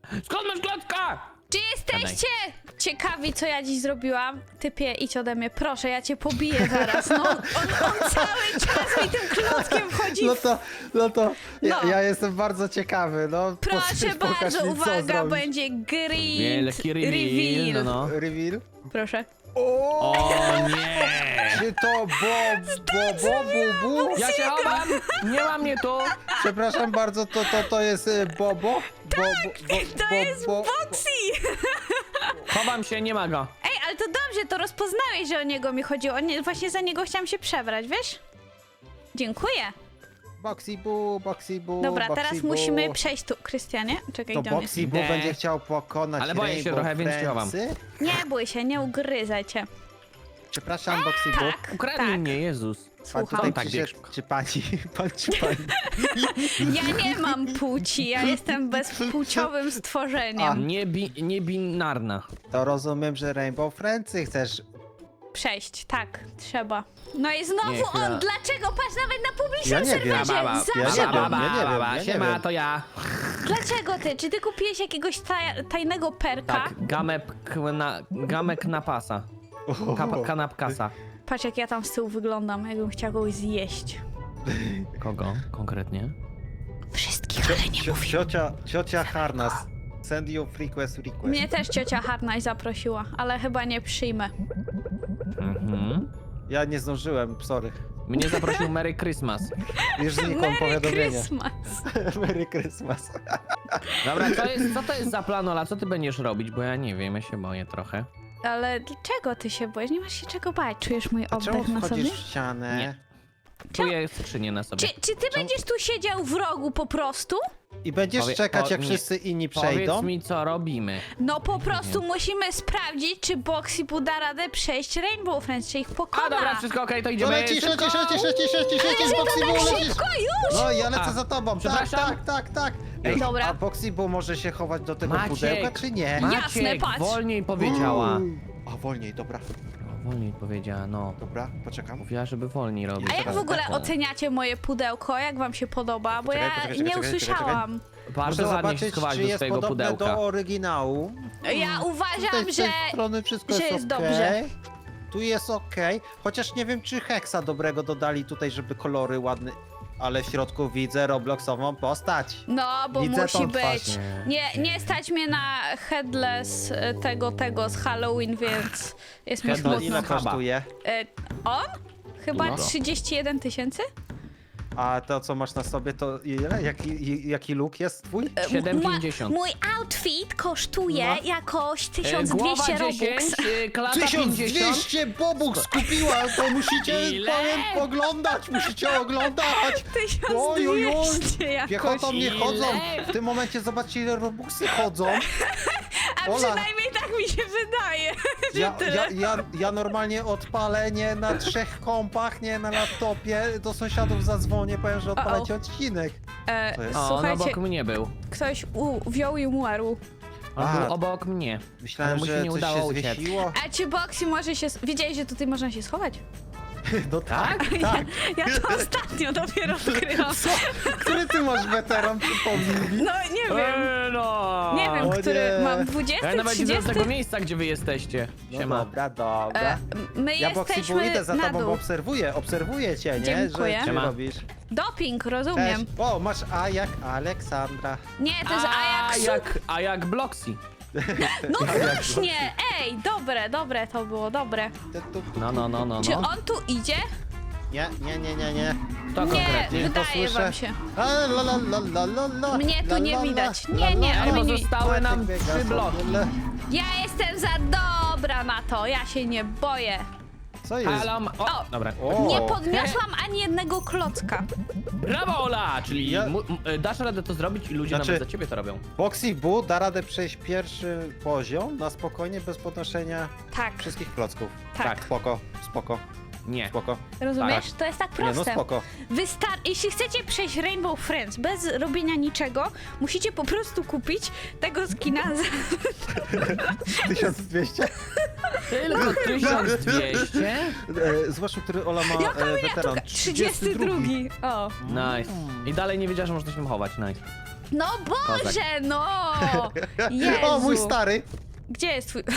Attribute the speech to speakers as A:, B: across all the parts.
A: Skąd masz klocka?
B: Czy jesteście ciekawi, co ja dziś zrobiłam? Typie, idź ode mnie, proszę, ja cię pobiję zaraz. No, on cały czas mi tym klockiem wchodzi.
C: No to
B: No.
C: ja jestem bardzo ciekawy, no.
B: Proszę
C: pokaż
B: bardzo,
C: mi, co
B: uwaga,
C: zrobisz.
B: będzie green
A: Wielki reveal, no.
C: Reveal?
B: Proszę.
A: O nie!
C: Czy to Bobu?
A: Ja się chowam! Nie ma mnie tu!
C: Przepraszam bardzo, to jest Bobo?
B: To jest Boxy!
A: Chowam się, nie ma go.
B: Ej, ale to dobrze, to rozpoznałeś, że o niego mi chodziło. Właśnie za niego chciałam się przebrać, wiesz? Dziękuję.
C: Boxy Boo.
B: Dobra,
C: Boxy
B: teraz
C: Boo.
B: musimy przejść tu. Krystianie, czekaj,
C: To
B: gdzie on jest?
C: Boxy Boo
A: Nie.
C: będzie chciał pokonać
A: Ale boję się
C: Rainbow
A: trochę, więc się chowam.
C: Friendsy?
B: Nie bój się, nie ugryzaj cię.
C: Przepraszam, Boxy Boo.
B: Tak,
A: Ukradli
B: tak.
A: mnie, Jezus.
C: Pan
B: Słucham.
C: tutaj
A: Tak,
C: przyszedł,
A: szybko.
C: czy pani, czy pani?
B: Ja nie mam płci, ja jestem bezpłciowym stworzeniem.
A: Niebinarna.
C: To rozumiem, że Rainbow Friendsy chcesz.
B: Przejść, tak, trzeba. No i znowu
A: Nie, chwila.
B: on, dlaczego? Patrz, nawet na publicznym
C: Ja nie wiem.
B: serwerze,
A: Baba,
B: zawsze
C: ja nie wiem,
B: on.
C: ja nie
A: Siema,
C: wiem.
A: to ja.
B: Dlaczego ty? Czy ty kupiłeś jakiegoś tajnego perka?
A: Tak, gamek na pasa. Kanapkasa.
B: Patrz, jak ja tam z tyłu wyglądam, jakbym chciała kogoś zjeść.
A: Kogo konkretnie?
B: Wszystkich, ale nie mówię.
C: Ciocia Harnas. Send you request.
B: Mnie też ciocia Harnaś zaprosiła, ale chyba nie przyjmę.
A: Mhm.
C: Ja nie zdążyłem, sorry.
A: Mnie zaprosił Merry Christmas.
C: Już znikło
B: Merry
C: powiadomienie.
B: Christmas.
C: Merry Christmas.
A: Dobra, co to jest za plan, Ola? Co ty będziesz robić? Bo ja nie wiem, ja się boję trochę.
B: Ale dlaczego ty się boisz? Nie masz się czego bać. Czujesz mój
C: A czemu
B: oddech na sobie?
C: wchodzisz w ścianę?
A: Nie. Czuję skrzynię na sobie.
B: Czy ty będziesz tu siedział w rogu po prostu?
C: I będziesz
A: Powie-
C: czekać, jak
A: nie.
C: wszyscy inni
A: Powiedz
C: przejdą?
A: mi, co robimy.
B: No po prostu musimy sprawdzić, czy Boxy da radę przejść Rainbow Friends, czy ich
A: A
B: pokona.
A: dobra, wszystko okej, to
C: No
A: idziemy.
C: lecisz,
A: Szybko!
C: lecisz,
B: Ale
C: Boxy
B: to
C: Boo,
B: tak
C: lecisz.
B: szybko już!
C: No ja lecę
A: A,
C: za tobą,
A: przepraszam.
C: tak.
A: Ej,
B: Dobra.
C: A Boxy Boo może się chować do tego
A: Maciek.
C: pudełka, czy nie?
B: Jasne,
A: Maciek,
B: patrz.
A: wolniej powiedziała.
C: A wolniej, dobra,
A: Wolniej powiedziała, no.
C: poczekam.
A: Mówiła, żeby wolniej robić.
B: A jak w ogóle
A: Tak.
B: oceniacie moje pudełko? Jak wam się podoba? Bo ja
C: Poczekaj,
B: nie
C: czekaj.
B: usłyszałam.
A: Bardzo
C: Muszę
A: ładnie się
C: zobaczyć,
A: schowałaś
C: czy
A: do
C: jest
A: swojego
C: podobne
A: pudełka.
C: do oryginału.
B: Ja uważam,
C: Z
B: że...
C: tej strony wszystko
B: że
C: jest
B: jest
C: okej.
B: dobrze.
C: Tu jest okej. Chociaż nie wiem, czy heksa dobrego dodali tutaj, żeby kolory ładne. Ale w środku widzę Robloxową postać.
B: No, bo
C: Widzę
B: musi
C: tą twarz.
B: być. Nie stać mnie na headless tego z Halloween, więc jest mi
A: Headless
C: No
B: smutno.
C: ile
A: Chaba.
C: kosztuje?
B: On? Chyba
A: Dużo.
B: 31 000?
C: A to, co masz na sobie, to ile? Jaki look jest twój?
A: 7,50.
B: Mój outfit kosztuje
C: No.
B: jakoś
A: Głowa
B: 1200
A: 10,
B: Robux.
A: klata 50.
C: 1200 bobuk skupiła, to musicie
A: Ile?
C: oglądać, musicie oglądać.
B: 1200 jakoś.
C: Piechotą nie
A: Ile?
C: chodzą. W tym momencie zobaczcie, ile robuxy chodzą.
B: A
C: Ola.
B: przynajmniej tak mi się wydaje, że tyle.
C: Ja normalnie odpalę nie na 3 kompach, nie na laptopie. Do sąsiadów zadzwonię, powiem, że odpalacie odcinek. To jest-
A: O, on
B: Słuchajcie,
A: obok mnie był.
B: ktoś wziął i umarł.
A: On
C: A.
A: był obok mnie. Ale
C: Myślałem,
A: mu się
C: że
A: nie
C: coś
A: udało
C: się
A: uciec.
C: zwiesiło.
B: A czy Boxy może się... Wiedziałeś, że tutaj można się schować?
C: No tak, tak.
B: Ja to ostatnio dopiero odkryłam.
C: Co? Który ty masz weteran, przypomnij mi?
B: No nie wiem.
A: No.
B: Nie wiem,
C: O
B: który
C: nie.
B: mam 20,
A: Ja nawet nie znam
B: 30.
A: tego miejsca, gdzie wy jesteście.
C: No
A: Siema.
C: dobra.
B: My
C: Ja Boxy Boo
B: jesteśmy
C: idę za
B: na
C: tobą, bo
B: dół.
C: obserwuję cię, nie?
B: Dziękuję.
C: Że ty
A: Siema.
C: robisz.
B: Doping,
C: Cześć.
B: rozumiem.
C: O, masz A jak Aleksandra.
B: Nie, to jest Ajax.
A: A jak Bloxy.
B: No właśnie! Ej, dobre to było, dobre.
A: No.
B: Czy on tu idzie?
C: Nie.
A: To
B: Nie,
A: konkretnie.
B: wydaje
C: posłyszę.
B: wam się.
C: La.
B: Mnie tu nie widać. Nie,
A: Ej, bo
B: oni...
A: zostały nam
C: Biega
A: 3 bloki.
C: sobie.
B: Ja jestem za dobra na to, ja się nie boję.
C: Co jest?
A: Halo, o, dobra.
C: O.
B: Nie podniosłam ani jednego klocka.
A: Brawo, Ola! Czyli
C: Ja-
A: dasz radę to zrobić i ludzie
C: Znaczy-
A: nawet za ciebie to robią.
C: Boxy Boo da radę przejść pierwszy poziom na spokojnie, bez podnoszenia
B: Tak,
C: wszystkich klocków.
B: tak.
C: Spoko.
A: Nie.
B: Rozumiesz? To jest tak
C: Nie, no
B: proste.
C: spoko.
B: Jeśli chcecie przejść Rainbow Friends bez robienia niczego, musicie po prostu kupić tego skina za
C: 1200?
A: Tylko 1200?
C: Zobaczmy, który Ola ma
B: Jaka
C: weteran.
B: miniaturka? 32. O.
A: Nice. I dalej nie wiedziała, że można się chować, nice.
B: No Boże, no! Jezu.
C: O, mój stary!
B: Gdzie jest twój...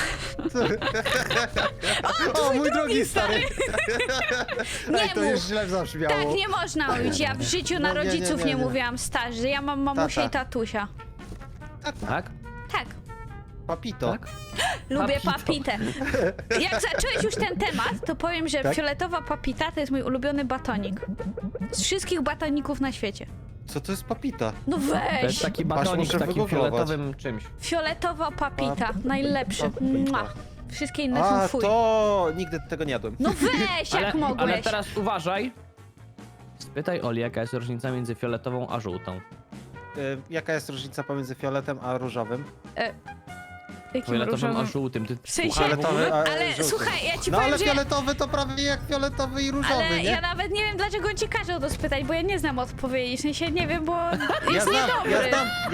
C: O, mój drugi stary!
B: Nie
C: Ej, to
B: mów.
C: już źle zabrzmiało.
B: Tak nie można mówić. Ja w życiu na
C: No, nie, nie,
B: rodziców
C: nie,
B: nie
C: nie.
B: mówiłam starzy. Ja mam mamusię i
C: Tata.
B: tatusia.
A: Tak?
B: Tak.
C: Papito.
A: Tak?
B: Lubię
A: Papito.
B: papitę. Jak zacząłeś już ten temat, to powiem, że
C: Tak?
B: fioletowa papita to jest mój ulubiony batonik. Z wszystkich batoników na świecie.
C: Co to jest papita?
B: No
A: To jest
B: weź!
A: taki
C: Aż
A: batonik
C: muszę
A: z takim
C: wygooglować.
A: fioletowym czymś.
B: Fioletowa papita. Najlepszy.
C: Papita.
B: Mua. Wszystkie inne
C: A,
B: są fuj.
C: to nigdy tego nie jadłem.
B: No weź, jak mogłeś?
A: ale teraz uważaj. Spytaj Oli, jaka jest różnica między fioletową a żółtą.
C: Jaka jest różnica pomiędzy fioletem a różowym?
B: Jakim
A: Fioletowym a
B: różowym...
A: żółtym. Ty
B: W sensie-
A: słuchaj w ogóle?
C: Fioletowy, a
B: Ale
C: żółty.
B: słuchaj, ja ci
C: No
B: powiem,
C: ale
B: że...
C: fioletowy to prawie jak fioletowy i różowy,
B: Ale
C: nie?
B: ja nawet nie wiem, dlaczego on ci każe o to spytać, bo ja nie znam odpowiedzi. W sensie nie wiem, bo
C: Ja
B: jest
C: znam,
B: niedobry.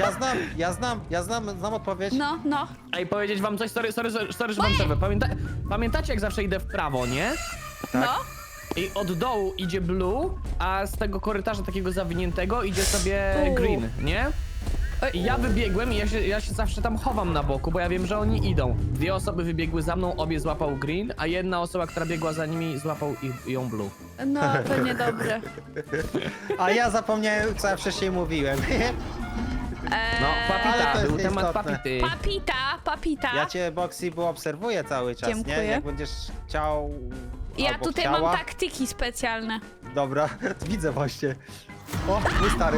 C: znam odpowiedź.
B: No, no.
A: Ej, powiedzieć wam coś, sorry, że wam przerwę. Pamiętacie jak zawsze idę w prawo, nie?
C: Tak.
B: No.
A: I od dołu idzie blue, a z tego korytarza takiego zawiniętego idzie sobie green, nie? I ja wybiegłem i ja się zawsze tam chowam na boku, bo ja wiem, że oni idą. Dwie osoby wybiegły za mną, obie złapał green, a jedna osoba, która biegła za nimi, złapał ją blue.
B: No, to niedobre.
C: A ja zapomniałem, co ja wcześniej mówiłem.
A: No,
C: Ale
A: papita,
C: to jest
A: był temat
C: nieistotne.
A: papity.
B: Papita.
C: Ja cię, Boxy, bo obserwuję cały czas,
B: Dziękuję.
C: nie? Jak będziesz chciał
B: Ja
C: albo
B: tutaj
C: chciała.
B: mam taktyki specjalne.
C: Dobra, widzę właśnie. O, mój stary.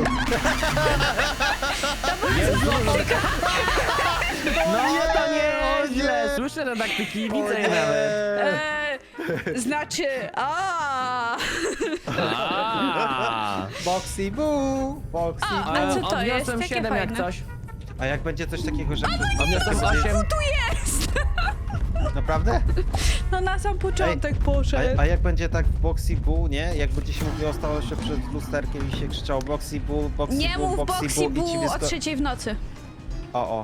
A: No to nie
C: o
A: źle,
C: nie.
A: słyszę te taktyki,
C: O
A: widzę je
C: nie.
A: nawet.
B: Znaczy,
C: Boxy boo, Boxy
B: O,
C: boo.
B: a co to
A: Odniosłem
B: jest? Takie
A: 7 jak
B: fajne.
A: coś.
C: A jak będzie coś takiego, że...
A: Odniosłem 8.
B: Tu jest!
C: Naprawdę?
B: No na sam początek poszedł.
C: A jak będzie tak w Boxy boo, nie? Jak będzie się mówiło, stało się przed lusterkiem i się krzyczało Boxy boo, Boxy
B: Nie
C: boo,
B: mów
C: Boxy
B: Boxy
C: boo i ci
B: Boo o
C: wysko...
B: 3:00 w nocy.
C: O.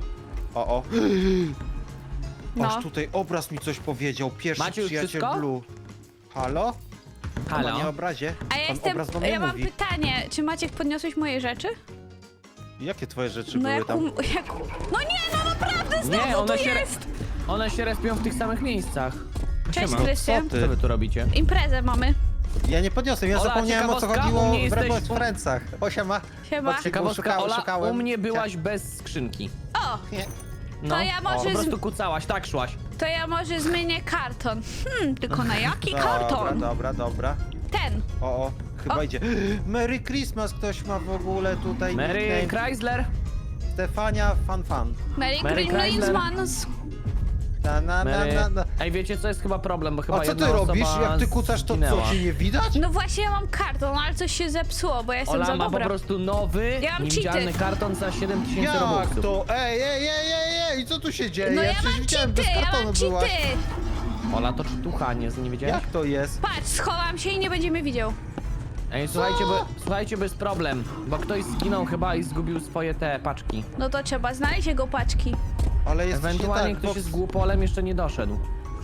B: No.
C: Aż tutaj obraz mi coś powiedział, pierwszy
A: Macie już
C: przyjaciel
A: wszystko?
C: Blue. Halo?
A: Halo?
C: Panie obrazie?
B: A ja
C: Pan
B: jestem.
C: obraz do mnie
B: Ja mam
C: mówi.
B: pytanie, czy Maciek podniosłeś moje rzeczy?
C: Jakie twoje rzeczy
B: No
C: były
B: jak,
C: tam?
B: jak. No nie, no naprawdę,
A: Nie,
B: znowu
A: one
B: tu
A: się,
B: jest!
A: one się respią w tych samych miejscach.
B: Cześć,
A: Siema.
B: Krystian.
C: Co
A: Co wy tu robicie?
B: Imprezę mamy.
C: Ja nie podniosłem, ja
A: Ola,
C: zapomniałem o co
A: ciekawostka,
C: chodziło
A: u mnie
C: w
A: jesteś-
C: Rebel Friendsach. O, siema.
B: Siema.
C: Boxy-
A: Ciekawostka, Ola,
C: szukałem.
A: u mnie byłaś bez skrzynki.
B: O,
C: Nie.
A: No,
B: ja może
A: po
B: z-
A: prostu kucałaś, tak szłaś.
B: to ja może zmienię karton. Tylko na jaki karton?
C: Dobra.
B: Ten.
C: O, chyba
B: O.
C: idzie. Merry Christmas ktoś ma w ogóle tutaj
A: Mary
C: nickname.
A: Chrysler?
C: Stefania Fan.
B: Merry
A: Merry
B: Christmas.
A: Mary...
C: Na.
A: Ej, wiecie co jest chyba problem, bo chyba
C: A co
A: jedna
C: ty robisz?
A: osoba
C: Jak ty kucasz, to
A: zginęła.
C: co, cię nie widać?
B: No właśnie ja mam karton, ale coś się zepsuło, bo ja jestem
A: Ola
B: za
A: ma po
B: dobra.
A: prostu nowy,
B: Ja mam
A: niewidzialny
B: cheaty.
A: karton za 7000
C: Jak
A: robuxów.
C: to? Ej, co tu się dzieje?
B: No ja
C: Przecież
B: mam
C: widziałem,
B: cheaty,
C: bez
B: ja
C: kartonu
B: mam
C: byłaś.
B: cheaty.
A: Ola, to czytucha, nie widziałeś?
C: Jak to jest?
B: Patrz, schowam się i nie będzie mnie widział.
A: Ej, słuchajcie, bo jest problem, bo ktoś zginął chyba i zgubił swoje te paczki.
B: No to trzeba znaleźć jego paczki.
C: Ale jest
A: Ewentualnie
C: tak,
A: ktoś jest głupolem, jeszcze nie doszedł.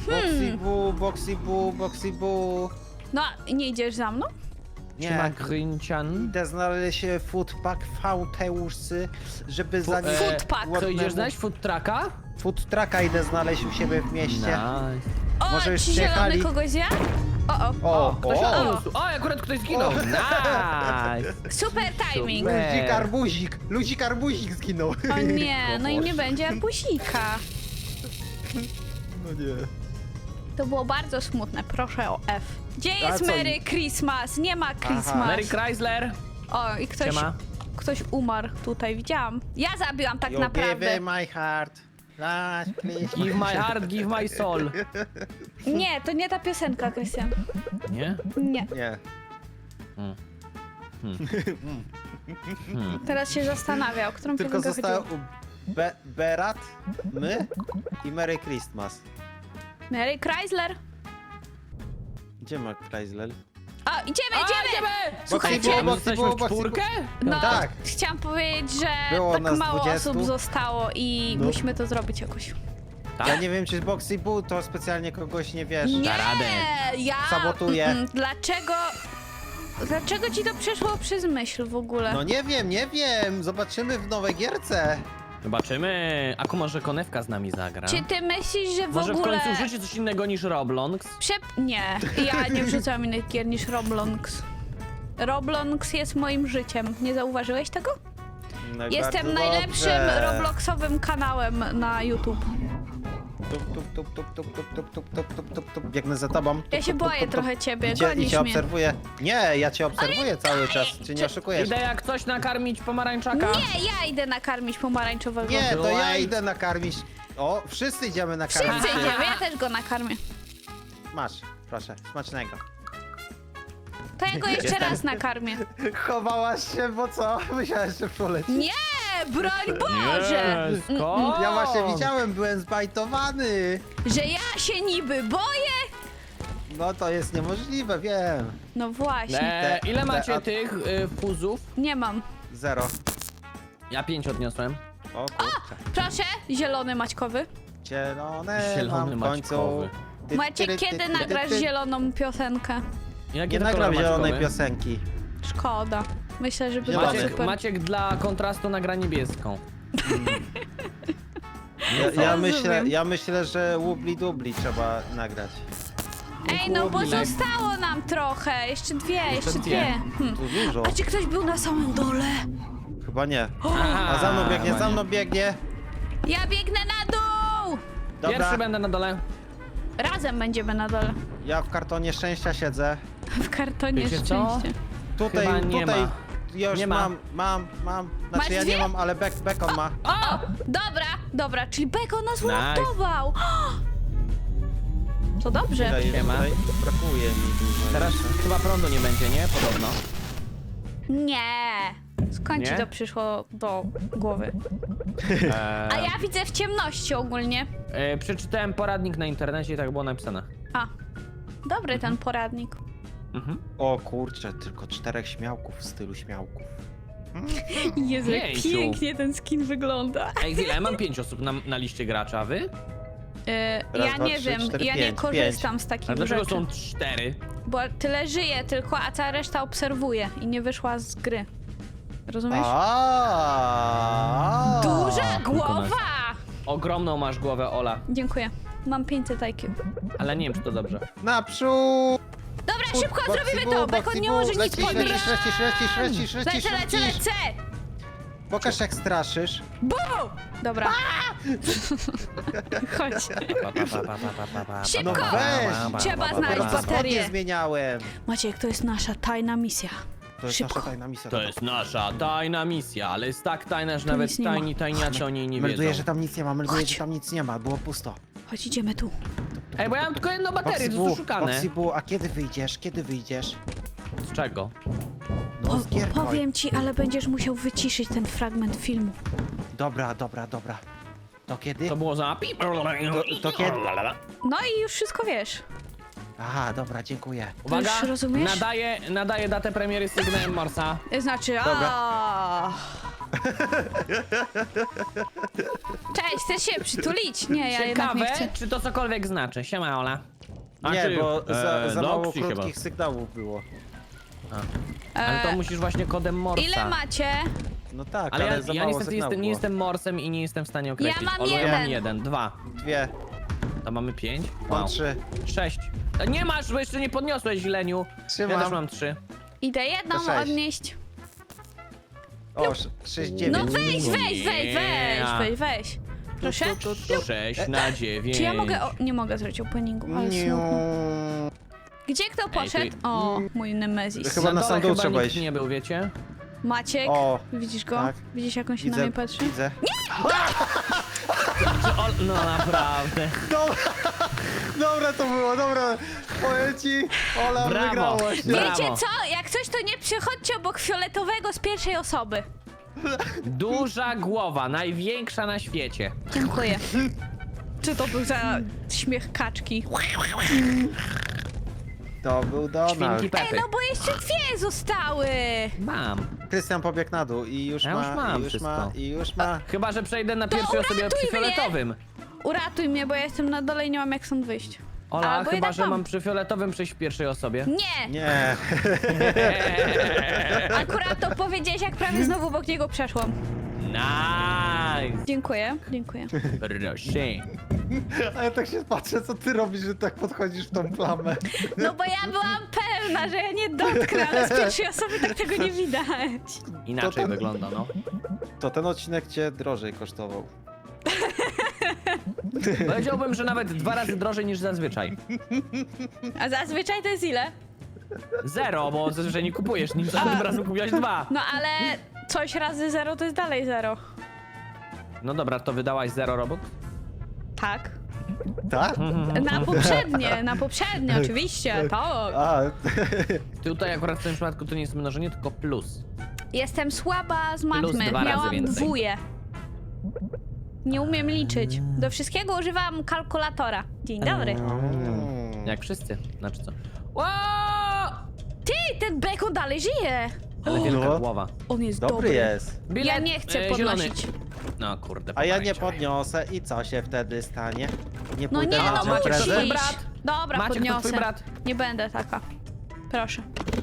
C: Boxy boo.
B: No, nie idziesz za mną?
A: Siema
C: Nie.
A: Gryncian.
C: Idę znaleźć foodpack Fauteusy, żeby za nim...
B: Foodpack.
A: Co, idziesz znaleźć food trucka?
C: Food trucka idę znaleźć u siebie w mieście.
A: Nice.
B: O,
C: Może już
B: ci zielony
C: przyjechali?
B: kogoś zjadł? O,
A: O, ktoś
C: o.
A: odniósł. O, akurat ktoś zginął. Nice.
B: super timing.
A: Super.
C: Ludzik arbuzik zginął.
B: O nie, no i nie będzie arbuzika.
C: No nie.
B: To było bardzo smutne, proszę o F. Gdzie
C: A
B: jest
C: co?
B: Merry Christmas? Nie ma Christmas.
A: Mary Chrysler.
B: O, i
A: Siema.
B: ktoś umarł tutaj, widziałam. Ja zabiłam tak
C: You
B: naprawdę.
C: give my heart. Last please.
A: Give my heart, give my soul.
B: Nie, to nie ta piosenka, Krystian.
A: Nie?
B: Nie.
C: Nie.
B: Teraz się zastanawia, o którą
C: Tylko
B: piosenkę
C: zostało
B: chodziło.
C: Berat, my i Merry Christmas.
B: Merry Chrysler.
C: Gdzie ma Chrysler?
B: O, idziemy! Słuchajcie,
A: A my
C: Boxy
A: jesteśmy
C: było,
A: w
C: Boxy
A: czwórkę?
B: No,
C: Tak.
B: chciałam powiedzieć, że
C: Było
B: tak
C: nas
B: mało
C: 20.
B: osób zostało i
C: No.
B: musimy to zrobić jakoś.
C: Ja nie wiem, czy Boxy Boo to specjalnie kogoś nie wiesz.
B: Nie,
A: radę.
B: ja...
C: Sabotuje.
B: Dlaczego... Dlaczego ci to przeszło przez myśl w ogóle?
C: No nie wiem. Zobaczymy w nowej gierce.
A: Zobaczymy. Aku może konewka z nami zagra.
B: Czy ty myślisz, że w
A: Może
B: ogóle...
A: w końcu życie coś innego niż Roblox?
B: Nie, ja nie wrzucam innych gier niż Roblox. Roblox jest moim życiem. Nie zauważyłeś tego?
C: No i
B: Jestem
C: bardzo
B: najlepszym
C: dobrze.
B: Robloxowym kanałem na YouTube.
C: Tup. Biegnę za tobą.
B: Ja się boję trochę ciebie,
C: I
B: gonisz
C: cię
B: mnie.
C: obserwuję. Nie, ja cię obserwuję cały czas. Czy nie oszukujesz?
A: Idę jak coś nakarmić pomarańczaka.
B: Nie, ja idę nakarmić pomarańczowego.
C: Nie, to ja
A: Light.
C: idę nakarmić. O, wszyscy idziemy nakarmić.
B: Wszyscy idziemy, ja też go nakarmię.
C: Masz, proszę, smacznego.
B: To ja go jeszcze raz nakarmię.
C: Chowałaś się, bo co? Myślałeś, że poleci.
B: Nie, broń Boże!
A: Nie, skąd?
C: Ja właśnie widziałem, byłem zbajtowany.
B: Że ja się niby boję?
C: No to jest niemożliwe, wiem.
B: No właśnie,
A: Ile macie tych fuzów?
B: nie mam.
C: 0.
A: Ja 5 odniosłem.
C: O kurczę.
B: Proszę, zielony maćkowy.
C: Zielone
A: Zielony
C: mam w końcu.
A: maćkowy.
B: Maciek, kiedy nagrasz zieloną piosenkę?
A: Jakie
C: Nie
A: to
C: nagram
A: kolory
C: zielonej
A: maćkowe?
C: piosenki.
B: Szkoda. Myślę, że by było
C: Zielony.
B: super.
A: Maciek dla kontrastu nagra niebieską.
C: Ja myślę, że Wubli Dubli trzeba nagrać.
B: Ej, no bo
A: Chłopinek.
B: zostało nam trochę. Jeszcze dwie.
A: dwie.
B: Hmm.
C: Tu dużo.
B: A czy ktoś był na samym dole?
C: Chyba nie.
A: Aha,
C: A za mną biegnie,
A: chyba
C: za
A: nie.
C: mną biegnie.
B: Ja biegnę na dół!
C: Dobra,
A: Pierwszy będę na dole.
B: Razem będziemy na dole.
C: ja w kartonie szczęścia siedzę.
B: W kartonie
A: Wiecie co?
B: szczęście.
C: Tutaj,
A: Chyba nie
C: tutaj
A: ma.
C: już
A: Nie ma.
C: mam.
B: Masz
C: Znaczy ja
B: dwie?
C: nie mam, ale Bekon ma.
B: O! Dobra, czyli Beko nas
A: Nice.
B: uratował. To dobrze.
C: Ile jest
A: Siema.
C: tutaj? Brakuje mi dużo.
A: Teraz chyba prądu nie będzie, nie? Podobno.
B: Nie. Skąd ci
A: Nie?
B: to przyszło do głowy? A ja widzę w ciemności ogólnie.
A: Przeczytałem poradnik na internecie i tak było napisane.
B: A, dobry ten poradnik.
A: Mhm.
C: O kurczę, tylko 4 śmiałków w stylu śmiałków.
B: Jezu, jak
A: Pięciu.
B: pięknie ten skin wygląda.
A: Ej, chwilę, ja mam 5 osób na liście gracza, a wy?
C: Raz,
B: Ja
C: dwa,
B: nie
C: trzy,
B: wiem,
C: cztery,
B: ja nie
C: pięć,
B: korzystam z
A: A
B: takich
A: dlaczego
B: rzeczy.
A: są 4?
B: Bo tyle żyje tylko, a cała reszta obserwuje i nie wyszła z gry. Rozumiesz? Duża głowa!
A: Ogromną masz głowę, Ola.
B: Dziękuję. Mam 500 IQ.
A: Ale nie wiem, czy to dobrze.
C: Naprzód!
B: Dobra, szybko zrobimy to! Bekon nie może nic
C: Lecisz,
B: podnieść.
C: lecisz.
B: Lecę!
C: Pokaż jak straszysz.
B: Bu! Dobra. Chodź. Szybko!
C: No weź!
B: Trzeba znaleźć
C: Dopiero co spodnie
B: baterię.
C: zmieniałem.
B: Maciek, to jest nasza tajna misja.
C: To jest
B: Szybko.
C: nasza tajna misja.
A: To jest nasza tajna misja, ale jest tak tajna, że nawet
B: nic nie ma.
A: tajniacy o niej nie
C: Melduję,
A: wiedzą.
C: że tam nic nie ma, melduję,
B: Chodź.
C: że tam nic nie ma, było pusto.
B: Chodź, idziemy tu.
A: Ej, bo ja mam tylko jedną baterię, to jest szukane.
C: Foxy, a kiedy wyjdziesz? Kiedy wyjdziesz?
A: Z czego?
C: No z gier,
B: Powiem ci, ale będziesz musiał wyciszyć ten fragment filmu.
C: Dobra. To kiedy?
A: To było za pip.
C: To kiedy?
B: No i już wszystko wiesz.
C: Aha, dobra, dziękuję.
A: Uwaga,
B: już rozumiesz?
A: nadaję datę premiery sygnałem Morsa.
B: Znaczy,
C: Dobra.
B: Cześć, chcesz się przytulić? Nie, ja jednak nie
A: Ciekawe,
B: chcę.
A: czy to cokolwiek znaczy. Siema, Ola.
C: Nie, bo za mało
A: Noxy chyba.
C: krótkich sygnałów było.
A: Ale to musisz właśnie kodem Morsa.
B: Ile macie?
C: No tak,
A: Ale
C: ale za
A: ja
C: mało
A: niestety
C: sygnałów
A: nie
C: było.
A: jestem Morsem i nie jestem w stanie określić.
B: mam
A: Olu, ja
B: jeden.
A: mam 1, 2.
C: 2,
A: To mamy 5.
C: mam
A: Wow.
C: 3.
A: 6. Nie masz, bo jeszcze nie podniosłeś źleniu.
C: Trzymam.
A: Ja też mam 3.
B: Idę jedną
C: To 6.
B: odnieść.
C: O, 6, 9.
B: No weź.
A: Nie.
B: Proszę?
A: 6 na 9.
B: Czy ja mogę... O, nie mogę zrobić openingu, ale smutno. Gdzie kto poszedł? O, mój Nemezis.
C: Chyba na
A: dole
C: sam dół
A: chyba
C: trzeba
A: nikt
C: iść.
A: nie był, wiecie?
B: Maciek,
C: O,
B: widzisz go?
C: tak.
B: Widzisz jak on się na mnie patrzy?
C: Widzę.
A: No naprawdę.
C: Dobra to było, dobra. Powiem ci, Ola
A: Brawo.
C: wygrałaś.
A: Brawo.
B: Wiecie co? Jak coś, to nie przechodźcie obok fioletowego z pierwszej osoby.
A: Duża głowa, największa na świecie.
B: Dziękuję. Czy to był za śmiech kaczki?
C: To był Donald.
A: Świnki
B: Ej,
A: Pepy.
B: no bo jeszcze dwie zostały.
A: Mam.
C: Krystian pobiegł na dół i już
A: Ja
C: ma,
A: już mam
C: i już
A: wszystko.
C: ma, i już ma.
A: Chyba, że przejdę na pierwszej osobie
B: uratuj
A: przy
B: mnie.
A: fioletowym.
B: Uratuj mnie, bo ja jestem na dole i nie mam jak stąd wyjść.
A: Ola,
B: Albo
A: chyba,
B: jednak
A: że
B: mam.
A: mam przy fioletowym przejść w pierwszej osobie.
B: Nie!
C: Nie.
B: Akurat to powiedziałeś, jak prawie znowu obok niego przeszłam.
A: Nice!
B: Dziękuję, dziękuję.
A: Proszę.
C: A ja tak się patrzę, co ty robisz, że tak podchodzisz w tą plamę.
B: No bo ja byłam pewna, że ja nie dotknę, ale z pierwszej osoby tak tego nie widać.
A: Inaczej
C: To ten-
A: wygląda, no.
C: To ten odcinek cię drożej kosztował.
A: Powiedziałbym, że nawet 2 razy drożej niż zazwyczaj.
B: A zazwyczaj to jest ile?
A: 0, bo zazwyczaj nie kupujesz nic, a tym razem kupiłaś 2.
B: No ale coś razy 0 to jest dalej 0.
A: No dobra, to wydałaś 0 robot?
B: Tak.
C: Tak?
B: Na poprzednie, oczywiście, tak.
C: A,
A: Tutaj akurat w tym przypadku to nie jest mnożenie, tylko plus.
B: Jestem słaba z
A: Plus
B: matmy,
A: 2 razy
B: miałam
A: więcej.
B: dwóje. Nie umiem liczyć. Do wszystkiego używam kalkulatora. Dzień dobry.
A: Jak wszyscy, znaczy co? Ło!
B: Ty, ten bekon dalej żyje.
A: Ale wielka
C: No.
A: głowa.
B: On jest
C: dobry jest.
A: Bilet,
B: Ja nie chcę
A: zielony.
B: podnosić.
A: No kurde,
C: A ja nie
A: pomarańczowy.
C: podniosę i co się wtedy stanie? Nie
B: No
C: pójdę
B: nie,
C: na
B: no
C: cię
A: Maciek, to
B: musisz.
C: prezent?
A: twój brat?
B: Dobra,
A: Maciek, to
B: podniosę.
A: twój brat?
B: Nie będę taka. Proszę.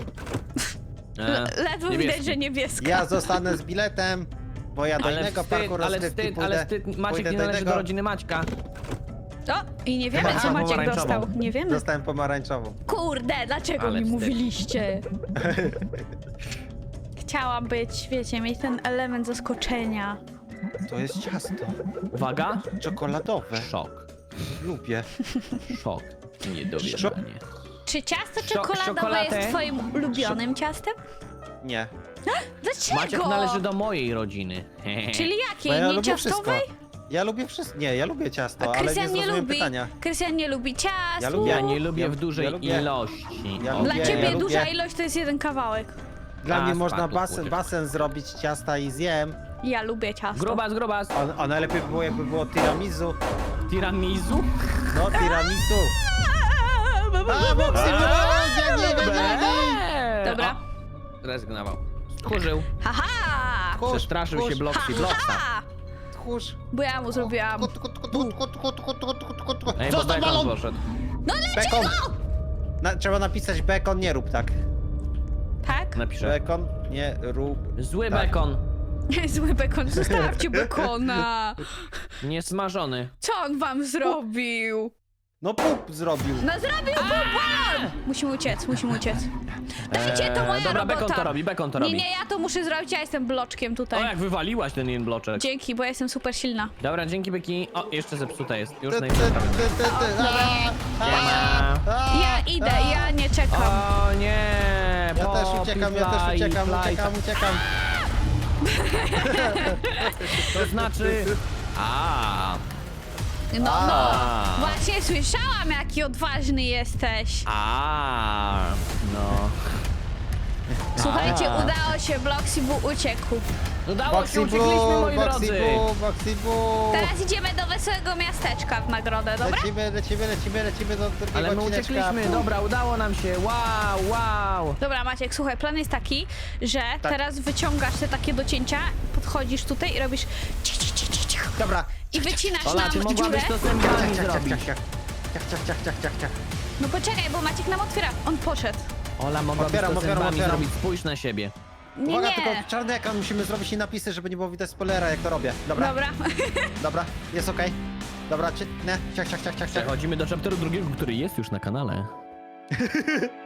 A: E,
B: Ledwo
A: niebieski.
B: widać, że niebieska.
C: Ja zostanę z biletem, bo ja do
A: Ale
C: innego parku
A: wstyd, ale
C: rozrywki
A: wstyd,
C: pójdę.
A: ale wstyd. Maciek
C: pójdę
A: nie
C: do
A: należy
C: innego.
A: do rodziny Maćka.
B: O, i nie wiemy,
A: Aha,
B: co Maciek
A: pomarańczową.
B: dostał. Nie wiemy.
C: Dostałem pomarańczową.
B: Kurde, dlaczego
A: Ale
B: mi
A: wstyd.
B: mówiliście? Chciałam być, wiecie, mieć ten element zaskoczenia.
C: To jest ciasto.
A: Uwaga.
C: Czekoladowe.
A: Szok.
C: Lubię.
A: Szok. Niedowierzanie.
B: Czy ciasto czekoladowe
A: czekoladę?
B: jest twoim ulubionym ciastem?
C: Nie.
B: Dlaczego?
A: Maciek należy do mojej rodziny.
B: Czyli
C: Bo
B: jakiej?
C: ja
B: Nie
C: lubię
B: ciastowej?
C: wszystko. Ja lubię wszystko. Nie, ja lubię ciasto,
B: A
C: ale nie
B: Krystian nie
C: zrozumiałem
B: lubi.
C: pytania.
B: Krystian nie lubi ciast.
C: Ja lubię.
A: Ja nie lubię
C: Ja-
A: w dużej
C: ja lubię.
A: ilości.
C: Ja
A: O,
B: Dla
C: lubię,
B: ciebie
C: ja lubię.
B: duża ilość to jest jeden kawałek.
C: Dla
A: A,
C: mnie można
A: spadł,
C: basen,
A: kurde.
C: basen zrobić ciasta i zjem.
B: Ja lubię ciasto.
A: Grubas, grubas.
C: A najlepiej by było, jakby było tiramisu.
A: Tiramisu?
C: No, tiramisu. A, Boxy,
B: Dobra.
A: O, rezygnował. Stchórzył.
B: Haha!
A: Przestraszył się Bloxy Bloxa.
B: Haha!
C: Tchórz.
B: Bo ja mu zrobiłam.
A: Ej,
C: Co
A: bo
C: to
A: Bekon
C: balon?
A: poszedł.
C: Bekon. Trzeba napisać bekon, nie rób tak.
B: Tak?
A: Napiszę.
C: Bekon, nie rób.
A: Zły
C: Tak.
A: bekon.
B: Zły bekon, zostawcie bekona!
A: Niesmażony.
B: Co on wam zrobił?
C: No pup zrobił.
B: No zrobił balon! Musimy uciec, musimy uciec. Dajcie, to moja
A: Dobra,
B: robota.
A: bekon to
B: Nie,
A: robi.
B: nie, ja to muszę zrobić, ja jestem bloczkiem
A: O,
B: tutaj.
A: jak wywaliłaś ten jeden bloczek.
B: Dzięki, bo ja jestem super silna.
A: Dobra, dzięki Byki. O, jeszcze zepsuta jest. Już
C: Ty, ty,
A: najpierw
C: ty, ty, ty.
A: Siema.
B: Ja idę, ja nie czekam.
A: O nie!
C: Ja też
A: Poppy
C: uciekam,
A: fly.
C: uciekam.
A: To znaczy... A,
B: No, no.
A: A.
B: Właśnie słyszałam, jaki odważny jesteś.
A: no.
B: Słuchajcie, udało się, Bloxy uciekł.
A: Udało się,
C: Boxy
A: uciekliśmy,
C: Boo,
A: moi
C: Boxy
A: drodzy.
C: Boo, Boxy Boo.
B: Teraz idziemy do wesołego miasteczka w nagrodę, dobra?
C: Lecimy do drugiego
A: Ale my
C: odcineczka.
A: uciekliśmy, dobra, udało nam się. Wow.
B: Dobra, Maciek, słuchaj, plan jest taki, że teraz wyciągasz te takie do cięcia, podchodzisz tutaj i robisz cich, cich, cich, cich, cich,
C: Dobra.
B: i wycinasz
A: Ola, ty
B: nam dziurę.
A: mogłabyś to zębami zrobić.
C: Ciach.
B: No poczekaj, bo Maciek nam otwiera. On poszedł.
A: Ola, mogłabyś
C: Otwieram,
A: to zębami
C: otwieram.
A: zrobić. Spójrz na siebie.
B: Nie,
C: Uwaga,
B: nie.
C: tylko czarny ekran musimy zrobić i napisy, żeby nie było widać spoilera, jak to robię. Dobra,
B: Dobra.
C: jest okej. Dobra, ciach.
A: Przechodzimy do chapteru drugiego, który jest już na kanale.